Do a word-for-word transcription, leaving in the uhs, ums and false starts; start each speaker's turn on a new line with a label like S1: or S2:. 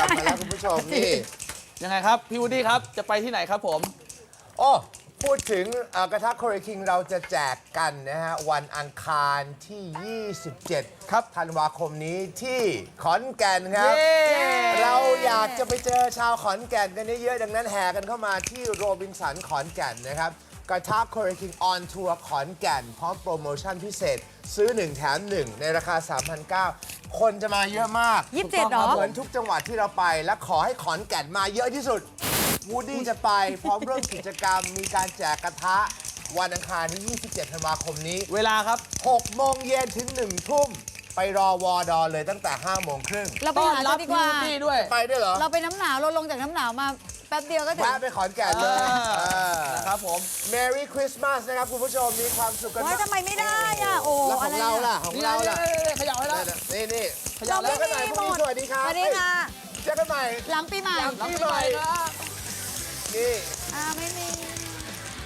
S1: ลับมาแล้วคุณผู้ชมนี่
S2: ยังไงครับพี่วูดดี้ครับจะไปที่ไหนครับผม
S1: โอ้พูดถึงเอ่อกระทะโคเรคิงเราจะแจกกันนะฮะวันอังคารที่ ยี่สิบเจ็ด ครับธันวาคมนี้ที่ขอนแก่นครับ เราอยากจะไปเจอชาวขอนแก่นกันเยอะๆดังนั้นแห่กันเข้ามาที่โรบินสันขอนแก่นนะครับกระทะโคเรคิงออนทัวร์ขอนแก่นพร้อมโปรโมชั่นพิเศษซื้อหนึ่งแถมหนึ่งในราคา สามพันเก้าร้อย คนจะมาเยอะมาก
S3: ยี่สิบเจ็ดเหรอ
S1: เหมือนทุกจังหวัดที่เราไปและขอให้ขอนแก่นมาเยอะที่สุดวูดดี้จะไปพร้อมเริ่มกิจกรรมมีการแจกกระทะวันอังคารที่ ยี่สิบเจ็ด ธันวาคมนี้
S2: เวลาครับ
S1: หกโมงเย็นถึงหนึ่งทุ่มไปรอวอดอเลยตั้งแต่ห้าโมงครึ่ง
S3: เราไป
S2: ต้อน
S3: หา
S2: รั
S3: เธ
S2: บ
S3: อดี
S2: พี่
S3: กว่า
S2: วูดดี้ด้วย
S1: ไปด้วยเหรอ
S3: เราไปน้ำหนาวเราลงจากน้ำหนาวมาแป๊บเดียวก็ถึง
S1: แวะไปขอนแก่นเลย
S2: นะครับผม
S1: Merry Christmas นะครับคุณผู้ชมมีความสุขกัน
S3: ว้ายทำไมไม่ได้อ่ะโอ้
S1: แล้วของเราล่ะของเราล่ะ
S2: ขยับให้แล้ว
S1: นี่นี่
S2: ขยับ
S1: เจอกันใหม่พรุ่งนี้สวัสดีครับ
S3: สวัสดีค่ะ
S1: เจอกันใหม่
S3: หลังปีใหม่
S1: หลังปีใหม่นี่
S3: อ่าไม่มี